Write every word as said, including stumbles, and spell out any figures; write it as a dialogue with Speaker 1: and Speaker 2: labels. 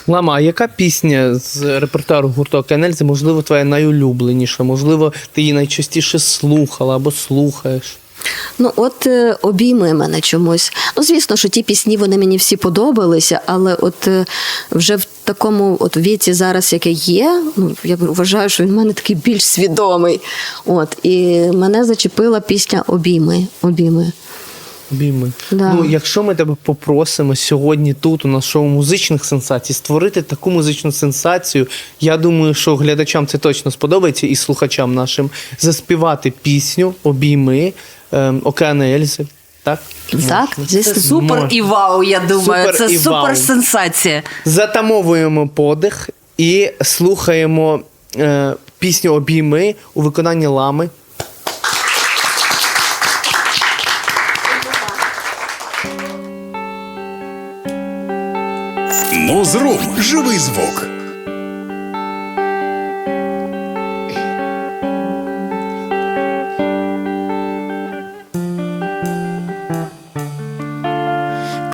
Speaker 1: Лама, а яка пісня з репертуару гурту «Океан Ельзи», можливо, твоя найулюбленіша? Можливо, ти її найчастіше слухала або слухаєш?
Speaker 2: Ну, от е, обійми мене чомусь. Ну, звісно, що ті пісні, вони мені всі подобалися, але от е, вже в такому от віці зараз, яке є, ну, я вважаю, що він в мене такий більш свідомий. От, і мене зачепила пісня «Обійми». Обійми.
Speaker 1: Обійми.
Speaker 2: Да.
Speaker 1: Ну, якщо ми тебе попросимо сьогодні тут, у нас шоу музичних сенсацій, створити таку музичну сенсацію, я думаю, що глядачам це точно сподобається і слухачам нашим, заспівати пісню «Обійми» ем, «Океана Ельзи». Так?
Speaker 2: Так,
Speaker 1: Можна.
Speaker 2: звісно.
Speaker 3: Супер
Speaker 1: Можна.
Speaker 3: і вау, я думаю.
Speaker 1: Супер
Speaker 3: Це
Speaker 1: і вау.
Speaker 3: супер сенсація.
Speaker 1: Затамовуємо подих і слухаємо е, пісню «Обійми» у виконанні Лами.
Speaker 4: Музрум. Живий звук.